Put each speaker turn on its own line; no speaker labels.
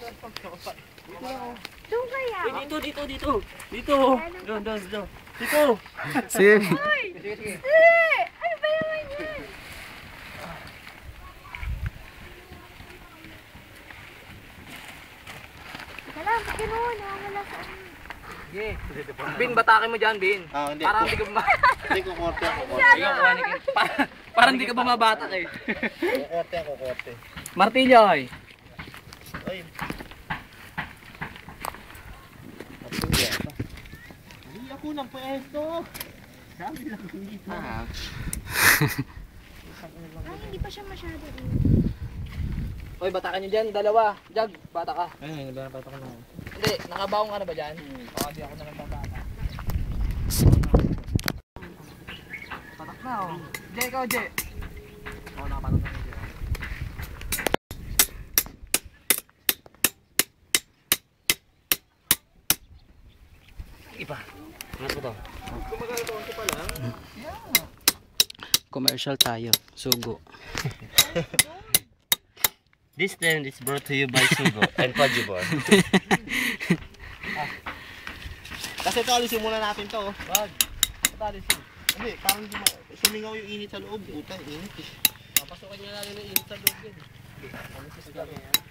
Doon kaya?
Dito. Dito. Doon. Dito.
Sige.
Sige. Ano ba naman yan? Wala, ba't gano'n? Nakawala sa ano.
Sige. Bin, batakin mo dyan, Bin.
Hindi.
Parang hindi ka
Hindi ko korte ako.
Parang hindi ka bumabatak eh.
Kukorte.
Martilyo ay.
Ay. Hindi ako ng pwesto. Sabi lang dito.
Ay, hindi pa siya masyado.
Oy, batakan nyo dyan, dalawa. Jag, bata ka.
Ay, nabata ko na.
Hindi, nakabaong ka na ba dyan? Oo, di ako na nagbabata. Patak na oh. Jay, ikaw Jay. Oo, nakapatak na Jay. Iba. Ano to? Gumagalaw ko pala.
Commercial tayo. Sugo.
This time is brought to you by Sugo and Pajibor. Kasi ito alisin muna natin to.
Wag. Patalisin.
Hindi, parang sumingaw yung init sa loob. Puta, init eh.
Papasukin nyo lang yung init sa loob din. Ano sa yan?